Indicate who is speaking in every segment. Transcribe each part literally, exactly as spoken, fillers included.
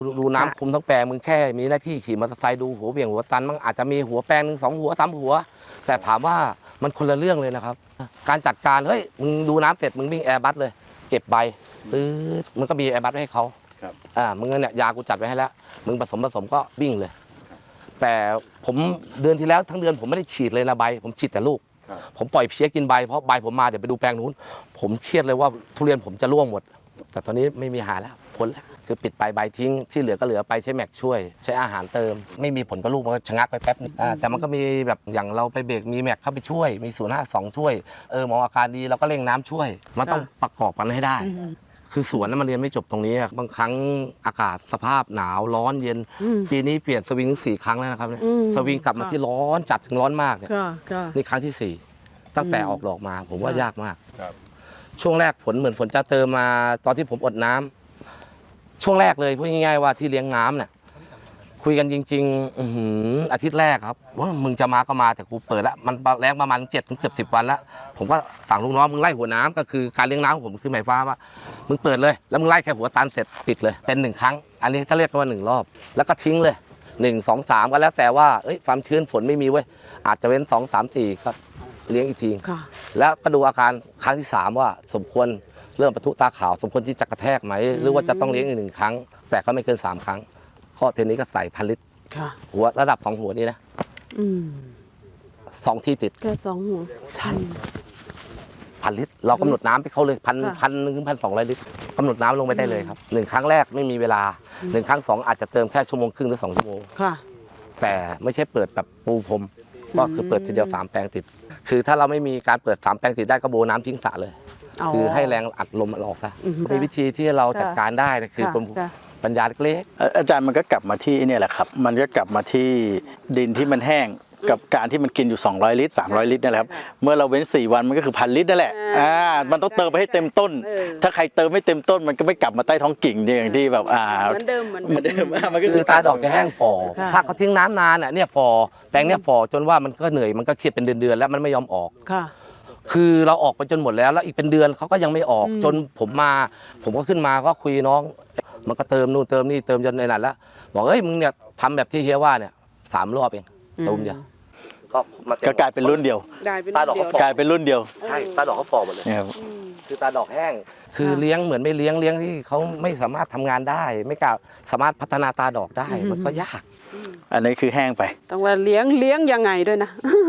Speaker 1: ดูน้ำคุมทั้งแปลงมึงแค่มีหน้าที่ขี่มอเตอร์ไซค์ดูหัวเบี่ยงหัวตันมันอาจจะมีหัวแปลงหนึ่งสองหัวสามหัวแต่ถามว่ามันคนละเรื่องเลยนะครับการจัดการเฮ้ยมึงดูน้ำเสร็จมึงวิ่งแอร์บัสเลยเก็บใบปื๊ดมึงก็มีแอร์บัสให้เขาอ่ามึงเนี่ยยากูจัดไว้ให้แล้วมึงผสมผสมก็วิ่งเลยแต่ผมเดือนที่แล้วทั้งเดือนผมไม่ได้ฉีดเลยนะใบผมฉีดแต่ลูกผมปล่อยเพี้ยกินใบเพราะใบผมมาเดี๋ยวไปดูแปลงนู้นผมเครียดเลยว่าทุเรียนผมจะร่วงหมดแต่ตอนนี้ไม่มีหาแล้วพ้นแล้วคือปิดไปใบทิ้งที่เหลือก็เหลือไปใช้แม็กช่วยใช้อาหารเติมไม่มีผลกับลูกมันก็ชะงักไปแป๊บนึงแต่มันก็มีแบบอย่างเราไปเบรกมีแม็กเข้าไปช่วยมีศูนย์ห้าสองช่วยเออหมออาการดีเราก็เร่งน้ำช่วยมันต้องประกอบกันให้ได้คือสวนนั้นมันเรียนไม่จบตรงนี้บางครั้งอากาศสภาพหนาวร้อนเย็นปีนี้เปลี่ยนสวิงสี่ครั้งแล้วนะครับสวิงกลับมาที่ร้อนจัดถึงร้อนมากเนี่ยนี่ครั้งที่สี่ตั้งแต่ออกดอกมาผมว่ายากมากช่วงแรกผลเหมือนฝนจะเติมมาตอนที่ผมอดน้ำช่วงแรกเลยพูดง่ายๆว่าที่เลี้ยงน้ำเนี่ยคุยกันจริงๆอือาทิตย์แรกครับว่ามึงจะมาก็มาแต่กูเปิดแล้วมันแรงประมาณเจ็ดถึงเกือบสิบวันแล้วผมก็สั่งลูกน้องมึงไล่หัวน้ำก็คือการเลี้ยงน้ำของผมคือหมายความว่ามึงเปิดเลยแล้วมึงไล่แค่หัวตันเสร็จปิดเลยเป็นหนึ่งครั้งอันนี้ถ้าเรียกว่าหนึ่งรอบแล้วก็ทิ้งเลยหนึ่งสองสามก็แล้วแต่ว่าเอ้ยความชื้นฝนไม่มีเว้ยอาจจะเว้นสองสามสี่ครับเลี้ยงอีกทีแล้วก็ดูอาการครั้งที่สามว่าสมควรเริ่มปะทุตาขาวสมควรที่จะกระแทกไหมหรือว่าจะต้องเลี้ยงอีกหนึ่งครั้งแต่ก็ไม่เกินสามครั้งข้อเทนี้ก็ใส่พันลิตรหัวระดับสองหัวนี้นะสองที่ติด
Speaker 2: แค่สองหัวพัน
Speaker 1: พันลิตรเรากำหนดน้ำไปเขาเลยพันพันหนึ่งพันสองร้อยลิตรกำหนดน้ำลงไปได้เลยครับหนึ่งครั้งแรกไม่มีเวลาหนึ่งครั้งสองอาจจะเติมแค่ชั่วโมงครึ่งหรือสองชั่วโมงแต่ไม่ใช่เปิดแบบปูพรมก็คือเปิดทีเดียวสามแปลงติดคือถ้าเราไม่มีการเปิดสามแปลงติดได้ก็โบน้ำทิ้งสระเลยคือให้แรงอัดลมมันออกนะมีวิธีที่เราจัดการได้นะคือปัญญาเล็ก
Speaker 3: ๆอาจารย์มันก็กลับมาที่นี่แหละครับมันก็กลับมาที่ดินที่มันแห้งกับการที่มันกินอยู่สองร้อยลิตรสามร้อยลิตรนั่นแหละครับเมื่อเราเว้นสี่วันมันก็คือพันลิตรนั่นแหละอ่ามันต้องเติมไปให้เต็มต้นถ้าใครเติมไม่เต็มต้นมันก็ไม่กลับมาใต้ท้องกิ่งอย่างที่แบบอ่า
Speaker 2: เหมือนเดิมเหมือน
Speaker 3: เดิม
Speaker 1: มันก็คือตาดอกจะแห้งฝ่อถ้าเขาทิ้งน้ำนานอ่ะเนี่ยฝ่อแปลงเนี่ยฝ่อจนว่ามันก็เหนื่อยมันก็เครียดเป็นเดือนๆแล้วมันไม่ยอมออกคือเราออกไปจนหมดแล้วแล้วอีกเป็นเดือนเขาก็ยังไม่ออกจนผมมาผมก็ขึ้นมาก็คุยน้องมันก็เติมนู่นเติมนี่เติมจนในนั้นแล้วบอกเฮ้ยมึงเนี่ยทำแบบที่เฮียว่าเนี่ยสามรอบเองตูมเดียว
Speaker 3: ก็กลายเป็นรุ่นเดียว
Speaker 1: ตาดอกเขา
Speaker 3: กลายเป็นรุ่นเดียว
Speaker 1: ใช่ตาดอกเขาฝ่อหมดเลยคือตาดอกแห้งคือเลี้ยงเหมือนไม่เลี้ยงเลี้ยงที่เขาไม่สามารถทำงานได้ไม่กล้าสามารถพัฒนาตาดอกได้มันก็ยาก
Speaker 3: อันนี้คือแห้งไป
Speaker 2: ต้องว่าเลี้ยงเลี้ยงยังไงด้วยนะ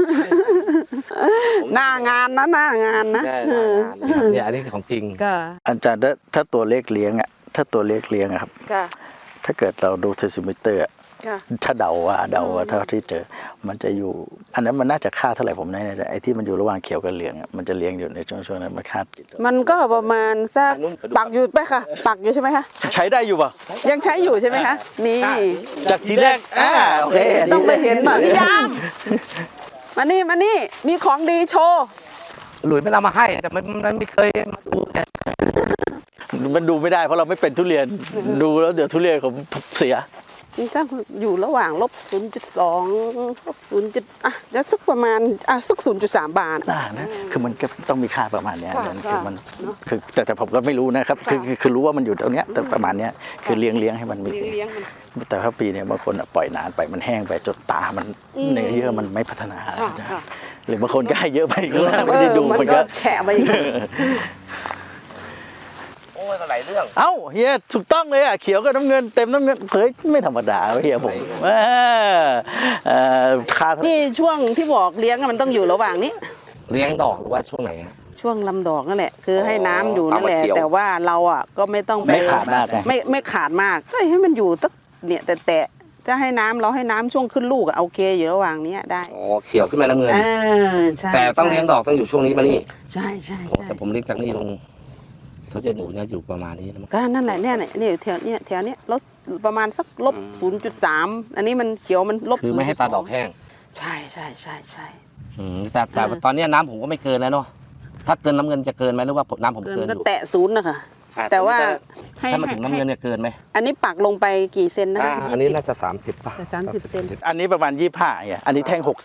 Speaker 2: หน้างานนะหน้างานนะ
Speaker 1: เนี่ยอันนี้ของจริง
Speaker 3: อาจารย์ถ้าตัวเลขเลี้ยงอ่ะถ้าตัวเลขเลี้ยงครับถ้าเกิดเราดูเทอร์ซิมิเตอร์ถ้าเดาว่าเดาว่าเท่าที่เจอมันจะอยู่อันนั้นมันน่าจะค่าเท่าไหร่ผมไม่แน่ใจไอ้ที่มันอยู่ระหว่างเขียวกับเหลืองมันจะเลี้ยงอยู่ในช่วงช่วงนั้นมันค่า
Speaker 2: มันก็ประมาณสักปักอยู่ไหมคะปักอยู่ใช่ไหมคะ
Speaker 3: ใช้ได้อยู่ป่ะ
Speaker 2: ยังใช้อยู่ใช่ไหมคะนี่
Speaker 3: จากทีแรกอ่าโอเค
Speaker 2: ต้องไปเห็นหน่อยพี่ยามมานี่มานี่มีของดีโชว์
Speaker 1: หลุยไม่เอามาให้แต่มันไม่เคยมาดู
Speaker 3: มันดูไม่ได้เพราะเราไม่เป็นทุเรียนดูแล้วเดี๋ยวทุเรียนผมเสีย
Speaker 2: นี่ถ้าอยู่ระหว่างลบ ศูนย์จุดสอง ลบ ศูนย์ อ่ะจะสักประมาณอ่ะสัก ศูนย์จุดสาม บาท
Speaker 3: อ่านะคือมันก็ต้องมีค่าประมาณนี้คือมันคือแต่แต่ผมก็ไม่รู้นะครับคือคือรู้ว่ามันอยู่ตรงเนี้ยแต่ประมาณเนี้ยคือเลี้ยงเลี้ยงให้มันมีแต่ถ้าปีเนี้ยบางคนปล่อยนานไปมันแห้งไปจนตามันเนื้อเยื่อมันไม่พัฒนาหรือบางคนก็ให้เยอะไปก็ไม่ได้ดู
Speaker 2: มันก็แฉะไป
Speaker 1: โอ้ยหลายเรื่อง
Speaker 3: เอ้าเฮียถูกต้องเลยอ่ะเขียวกับน้ำเงินเต็มน้ำเงินเฮ้ยไม่ธรรมดาเฮียผมเอ่อค่า
Speaker 2: นี่ช่วงที่บอกเลี้ยงมันต้องอยู่ระหว่างนี้
Speaker 1: เลี้ยงดอกหรือว่าช่วงไหน
Speaker 2: ช่วงลำดอกนั่นแหละคือให้น้ำอยู่นั่นแหละแต่ว่าเราอ่ะก็ไม่ต้อง
Speaker 3: ไม่ขาดมาก
Speaker 2: ไม่ไม่ขาดมากก็ให้มันอยู่สักเนี่ยแต่แต่จะให้น้ำเราให้น้ำช่วงขึ้นลูกอะโอเคอยู่ระหว่างนี้ได้
Speaker 1: อ๋อเขียวขึ้นมาน้ำเงินแต่ต้องเลี้ยงดอกต้องอยู่ช่วงนี้มานี่
Speaker 2: ใช่ใช่
Speaker 1: แต่ผมเลี้ยงจากนี่ลงเขาจะอยู่เนี่ยอยู่ประมาณนี้นะ
Speaker 2: ก็นั่นแหละเนี่ยเนี่ยแถวเนี้ยแถวเนี้ยลบประมาณสักลบ ศูนย์จุดสาม อันนี้มันเขียวมันลบ
Speaker 1: คือไม่ให้ตาดอกแห้ง
Speaker 2: ใช่ใช่ใช่ใช่
Speaker 1: แต่แต่ตอนนี้น้ำผมก็ไม่เกินแล้วเนาะถ้าเกินน้ำเงินจะเกินไหมหรือว่าน้ำผมเกิน
Speaker 2: อยู่แตะศูนย์นะคะแต่ว่า
Speaker 1: ถ้ามาถึงน้ำเงินเนี่ยเกินไหม
Speaker 2: อันนี้ปักลงไปกี่เซนนะ
Speaker 1: อันนี้น่าจะสามสิบป่ะ
Speaker 2: สามสิบเซน
Speaker 3: อันนี้ประมาณยี่สิบห้าอ่ะอันนี้แท่งหกสิบ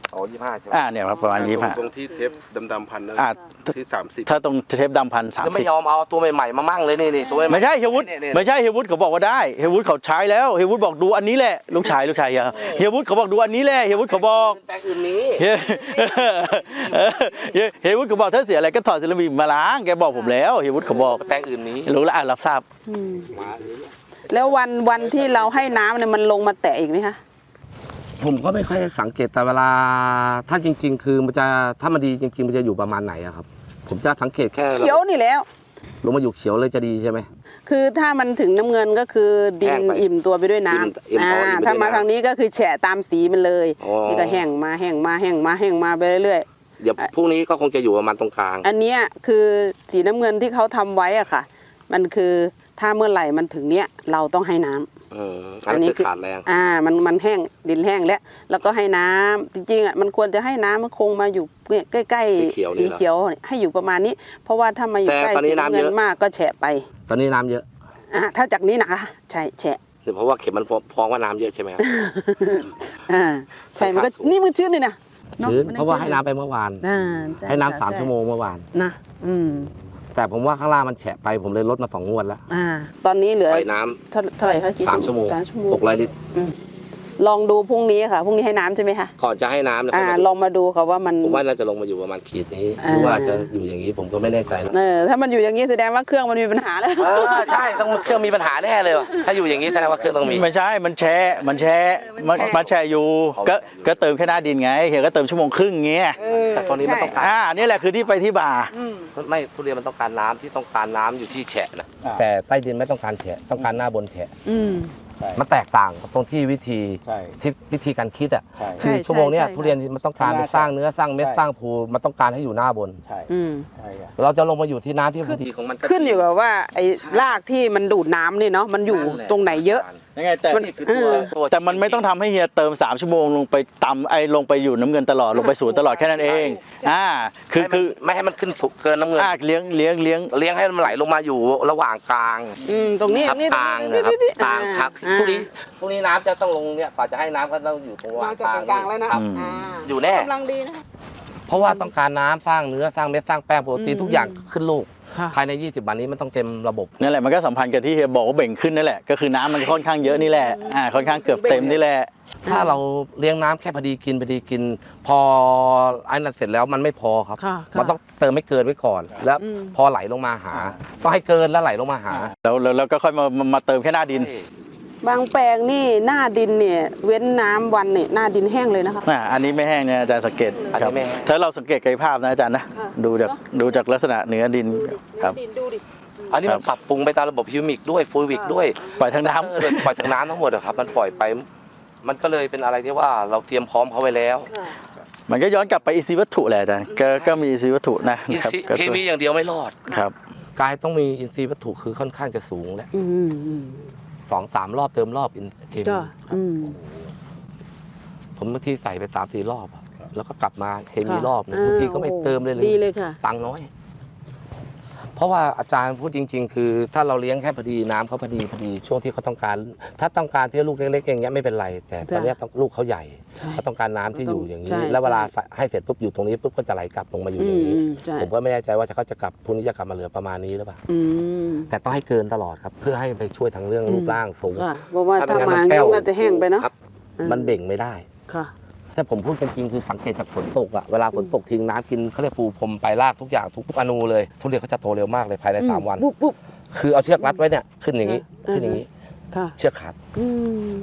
Speaker 1: อ๋อยี่ห้าใช่ไหม
Speaker 3: อ่าเนี่ยครับประมาณยี่ห้า
Speaker 4: ตรงที่เทปดำๆพันนั่น
Speaker 3: อ่า
Speaker 4: ที่สามสิบ
Speaker 3: ถ้าตรงเทปดำพันสาม
Speaker 1: จะไม่
Speaker 3: สิบ
Speaker 1: ยอมเอาตัวใหม่ๆมามั่งเลยนี่นี่ตัวใหม่ๆ
Speaker 3: ไม่ใช่เฮียวุฒิ
Speaker 1: นี่นี่
Speaker 3: ไม่ใช่เฮียวุฒิเขาบอกว่าได้เฮียวุฒิเขาใช้แล้วเฮียวุฒิบอกดูอันนี้แหละลูกชายลูกชายเฮียเฮียวุฒิเขาบอกดูอันนี้แหละเฮียวุฒิเขาบอก
Speaker 1: แปลงอื่นนี้
Speaker 3: เฮียเออเฮียเฮียวุฒิเขาบอกถ้าเสียอะไรก็ถอดเซรามิกมาล้างแกบอกผมแล้วเฮียวุฒิเขาบอก
Speaker 1: แปลงอื่นนี้
Speaker 3: รู้แล้วอ่ะรับทราบ
Speaker 2: อืม
Speaker 1: มาอื่นเนี่ย
Speaker 2: แล้ววันวันที่เราให้น้ำเนี่ยมันลงมาแตะอีกไหมคะ
Speaker 1: ผมก็ไม่ค่อยสังเกตแต่เวลาถ้าจริง ๆ คือมันจะถ้ามันดีจริง ๆ มันจะอยู่ประมาณไหนอะครับ ผมจะสังเกตแค่
Speaker 2: เขียวนี่แล้ว
Speaker 1: ลงมาอยู่เขียวเลยจะดีใช่ไหม
Speaker 2: คือถ้ามันถึงน้ำเงินก็คือดิ
Speaker 1: แห้
Speaker 2: น
Speaker 1: งไป
Speaker 2: อิ่มตัวไปด้วยน้
Speaker 1: อิ่มอิ่ม
Speaker 2: ำอ่า
Speaker 1: อ๋ออิ่มไปด้วย
Speaker 2: ถ้ามา
Speaker 1: น้ำ
Speaker 2: ทางนี้ก็คือแฉะตามสีมันเลย
Speaker 1: อ๋อ
Speaker 2: นี่ก็แห้งมาแห้งมาแห้งมาแห้งมาไปเรื่อย
Speaker 1: เดี๋ยวพรุ่งนี้ก็คงจะอยู่ประมาณตรงกลาง
Speaker 2: ๆอันเนี้ยคือสีน้ำเงินที่เขาทำไว้อะค่ะ มันคือถ้าเมื่อไหร่มันถึงเนี้ยเราต้องให้น้ำ
Speaker 1: อืมอันนี้คือขาดแรง
Speaker 2: อ่ามันมันแห้งดินแห้งแล้วแล้วก็ให้น้ำจริงๆอ่ะมันควรจะให้น้ำมันคงมาอยู่ใกล้
Speaker 1: สีเขียว
Speaker 2: ๆ
Speaker 1: นี่
Speaker 2: สี
Speaker 1: เหรอ
Speaker 2: เขียวให้อยู่ประมาณนี้ เพราะว่าถ้ามาอยู่
Speaker 1: แต่
Speaker 2: ใกล้
Speaker 1: ตอนนี้
Speaker 2: สี
Speaker 1: น้ำ
Speaker 2: น้ำเงิ
Speaker 1: เย
Speaker 2: น
Speaker 1: อะ
Speaker 2: มากก็แฉะไป
Speaker 1: ตอนนี้น้ำเยอะ
Speaker 2: อ่าถ้าจากนี้นะคะใช่แฉะ
Speaker 1: คือเพราะว่าเข็มมันฟ้องว่าน้ำเยอะใช่ไหมครับ
Speaker 2: อ่าใช่มันก็นี่มันชื้นเลยนะนอ
Speaker 1: ชื้น
Speaker 2: มั
Speaker 1: เพราะว่าให้
Speaker 2: ชื้
Speaker 1: น้ำไปเมื่อวาน
Speaker 2: อ่าช่
Speaker 1: ให้น้ำสาม
Speaker 2: ใ
Speaker 1: ชั่วโมงเมื่อวาน
Speaker 2: นะอืม
Speaker 1: แต่ผมว่าข้างล่างมันแฉะไปผมเลยลดมาสองงวดแล้ว
Speaker 2: อ่าตอนนี้เหลือ
Speaker 1: ปล่อยน้ำ
Speaker 2: เท่าเท่าไหร่คะกี่
Speaker 1: สามชั่วโมง
Speaker 2: สามชั่วโมง
Speaker 1: หกร้อยลิตร
Speaker 2: อืมลองดูพรุ่งนี้ค่ะพรุ่งนี้ให้น้ำใช่ไหมคะ
Speaker 1: ก่อนจะให้น้ำนะ
Speaker 2: อ่า
Speaker 1: ค่ยมา
Speaker 2: ล
Speaker 1: ดู
Speaker 2: องมาดูค่ะว่ามัน
Speaker 1: ผมว่าน่าจะลงมาอยู่ประมาณขีดนี้
Speaker 2: อ่า
Speaker 1: หรือว่าจะอยู่อย่างนี้ผมก็ไม่แน่ใจนะ
Speaker 2: เออถ้ามันอยู่อย่างนี้แสดงว่าเครื่องมันมีปัญหาแล้ว
Speaker 1: เออใช่ต้องเครื่องมีปัญหาแน่เลยว่ะถ้าอยู่อย่างนี้แสดงว่าเครื่องต้องมี
Speaker 3: ไม่ใช่มันแช่มันแช่มันมันแช่อยู่ก็ก็เติมแค่หน้าดินไงเฮียก็เติมชั่วโมงครึ่งเงี้ย
Speaker 1: แต่ตอนนี้มันต้องการ
Speaker 3: อ่านี่แหละคือที่ไปที่บ่า
Speaker 1: ไม่ทุเรียนมันต้องการน้ำที่ต้องการน้ำอยู่ที่แฉะนะ
Speaker 3: อ่า
Speaker 1: แต่ใต้ดินไม่ต้องการแฉะต้องการหน้าบนแฉะ
Speaker 2: อืม
Speaker 1: มันแตกต่างกับตรงที่วิธี
Speaker 3: ใช่
Speaker 1: ที่วิธีการคิดอ่ะ
Speaker 3: ใช่
Speaker 1: คือ
Speaker 2: ใช่
Speaker 1: ชั่วโมงเนี้ย
Speaker 2: ใช่
Speaker 1: ทุเรียนมันต้องการไปสร้างเนื้อสร้างเม็ด
Speaker 3: ใช่
Speaker 1: สร้างภูมันต้องการให้อยู่หน้าบน
Speaker 3: ใช่
Speaker 2: อืม
Speaker 3: ใช่ครับ
Speaker 1: เราจะลงมาอยู่ที่น้ำที่พอดีของมันก็
Speaker 2: ขึ้นอยู่กับว่าไอ้รากที่มันดูดน้ำนี่เนาะมันอยู่ตรงไหนเยอะ
Speaker 3: ยังไงแต่
Speaker 1: นี่คือตัวตัว
Speaker 3: แต่มันไม่ต้องทำให้เฮียเติมสามชั่วโมงลงไปตำไอ้ลงไปอยู่น้ำเงินตลอดลงไปศูนย์ตลอดแค่นั้นเองอ่าคือคือ
Speaker 1: ไม่ให้มันขึ้นสุกเกินน้ำเงิน
Speaker 3: อ่าเลี้ยงเลี้ยงเลี้ยง
Speaker 1: เลี้ยงให้มันไหลลงมาอยู่ระหว่างกลาง
Speaker 2: อืมตรงนี้
Speaker 1: ครับ
Speaker 2: นี่
Speaker 1: กลางนะครับกลางครับ
Speaker 2: อ่า
Speaker 1: พรุ่งนี้พรุ่งนี้น้ำจะต้องลงเนี่ยกว่าจะให้น้ำก็ต้องอยู่ตรง
Speaker 2: มาจาก
Speaker 1: กลาง
Speaker 2: กลางแล้วนะครับ อ่า
Speaker 1: อยู่แน่
Speaker 2: กำลังดีนะ
Speaker 1: เพราะว่าต้องการน้ำสร้างเนื้อสร้างเม็ดสร้างแป้งโปรตีน
Speaker 2: อืม
Speaker 1: ทุกอย่างขึ้นลูก
Speaker 2: ค่ะ
Speaker 1: ภายในยี่สิบวันนี้มันต้องเต็มระบบ
Speaker 3: นั่นแหละมันก็สัมพันธ์กับที่เฮียบอกว่าเบ่งขึ้นนั่นแหละก็คือน้ำมันค่อนข้างเยอะนี่แหละอ่าค่อนข้างเกือบเต็มนี่แหละ
Speaker 1: ถ้าเราเลี้ยงน้ำแค่พอดีกินพอดีกิน พอไอ้นั่นเสร็จแล้วมันไม่พอครับ
Speaker 2: ค่ะค่ะ
Speaker 1: มันต้องเติมไม่เกินไว้ก่อน แล้ว
Speaker 2: อืม
Speaker 1: พอไหลลงมาหาต้องให้เกินแล้วไหลลงมาหา
Speaker 3: แล้วแล้วแล้วก็ค่อยมามามาเติมแค่หน้าดิน
Speaker 2: บางแปลงนี่หน้าดินเนี่ยเว้นน้ำวันเนี่ยหน้าดินแห้งเลยนะคะ
Speaker 3: อ่าอันนี้ไม่แห้งเนี่ยอาจารย์สังเกต
Speaker 1: อันนี้
Speaker 3: ครับ
Speaker 1: ไม่แห้ง
Speaker 3: ถ้าเราสังเกตกายภาพนะอาจารย์นะ
Speaker 2: ค่ะ
Speaker 3: ดูจากดูจากลักษณะเนื้อดินครับ
Speaker 2: ดินดูดิ
Speaker 1: อันนี้มันปรับปรุงไปตามระบบฮิวมิกด้วยฟูวิกด้วย
Speaker 3: ปล่อยทางน้
Speaker 1: เออปล่อยทางน้ำทั้งหมดอะครับ มันปล่อยไป มันก็เลยเป็นอะไรที่ว่าเราเตรียมพร้อมเขาไว้แล้ว
Speaker 3: ำมันก็ย้อนกลับไปอินทรีย์วัตถุแหละอาจารย์ก็ก็มีอินทรีย์วัตถุนะ
Speaker 1: อิน
Speaker 3: ครับ
Speaker 1: ทรีย์
Speaker 3: ก็
Speaker 1: เคมีอย่างเดียวไม่รอด
Speaker 3: ครับ
Speaker 1: กายต้องมีอินทรีย์วัตถุคือค่อนข้างจะสูงแล้ว
Speaker 2: อืมอืม
Speaker 1: สองสามรอบเติมรอบอินเคมี
Speaker 2: จ้ะอืม
Speaker 1: ผมบางทีใส่ไปสามสี่รอบอะแล้วก็กลับมาเคมี
Speaker 2: ค่ะ
Speaker 1: รอบหนึง
Speaker 2: อ่า
Speaker 1: บางทีก็ไม่เติมเลย
Speaker 2: ดีเลยค่ะ
Speaker 1: ตังค์น้อย เพราะว่าอาจารย์พูดจริง ๆ คือ ถ้าเราเลี้ยงแค่พอดีน้ำเขาพอดีพอดีช่วงที่เขาต้องการ ถ้าต้องการที่ลูกเล็กๆอย่างเงี้ยไม่เป็นไร แต่ตอนเนี้ยต้องลูกเขาใหญ่
Speaker 2: ใช่
Speaker 1: เขาต้องการน้ำที่อยู่อย่างนี้
Speaker 2: ใช่
Speaker 1: แล้วเวลา
Speaker 2: ใช่
Speaker 1: ให้เสร็จปุ๊บอยู่ตรงนี้ปุ๊บก็จะไหลกลับลงมาอยู่
Speaker 2: อื
Speaker 1: อย่าง
Speaker 2: ม
Speaker 1: นี้
Speaker 2: อืมใช่
Speaker 1: ผมก็ไม่แน่ใจว่าเขาจะกลับพรุ่งนี้จะกลับมาเหลือประมาณนี้หรือเปล่า
Speaker 2: อืม
Speaker 1: แต่ต้องให้เกินตลอดครับ เพื่อให้ไปช่วยทางเรื่อง
Speaker 2: อืม
Speaker 1: รูปร่างสูง
Speaker 2: ค่ะเพราะว่าถ้า
Speaker 1: ไงั้น
Speaker 2: มา
Speaker 1: แป้ว
Speaker 2: ก็จะแห้งไปเนาะ
Speaker 1: ครับ
Speaker 2: อืม
Speaker 1: มันเบ่งไม่ได้
Speaker 2: ค่ะ
Speaker 1: ถ้าผมพูดกันจริงคือสังเกตจากฝนตกอะเวลาฝนตกทิ้งน้ำกินเขาเรียกปูพรมไปรากทุกอย่างทุกอนูเลยทุเรียนเขาจะโตเร็วมากเลยภายในสามวัน
Speaker 2: ปุ๊บปุ๊บ
Speaker 1: คือเอาเชือกรัดไว้เนี่ยขึ้นอย่างนี้
Speaker 2: อ่า
Speaker 1: ขึ้นอย่างนี้
Speaker 2: ค่ะ
Speaker 1: เชือกขาด
Speaker 2: อืม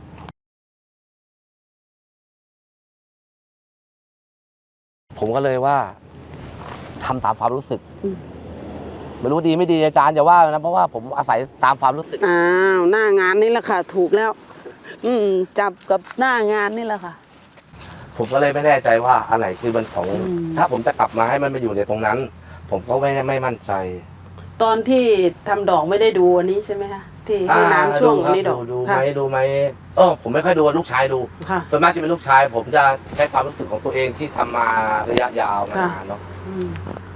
Speaker 1: ผมก็เลยว่าทำตามความรู้สึกไม่รู้ดีไม่ดีอาจารย์อย่าว่านะเพราะว่าผมอาศัยตามความรู้สึก
Speaker 2: อ้าวหน้างานนี่แหละค่ะ ถูกแล้ว อืมจับกับหน้างานนี่แหละค่ะ
Speaker 1: ผมก็เลยไม่แน่ใจว่าอันไหนคือมันของ
Speaker 2: อืม
Speaker 1: ถ้าผมจะกลับมาให้มันมาอยู่ในตรงนั้น ผมก็ไม่ไม่มั่นใจ
Speaker 2: ตอนที่ทำดอกไม่ได้ดูอันนี้ใช่ไหมคะที่ให้น้ำช่วง
Speaker 1: อ่า
Speaker 2: นี้ดอก
Speaker 1: ดูไห
Speaker 2: ค่ะ
Speaker 1: มดูไหมเออผมไม่ค่อยดูลูกชายดู
Speaker 2: ค่ะ
Speaker 1: ส่วนมากจะเป็นลูกชาย ผมจะใช้ความรู้สึกของตัวเองที่ทำมาระยะยาวมานานเนาะ
Speaker 2: อืม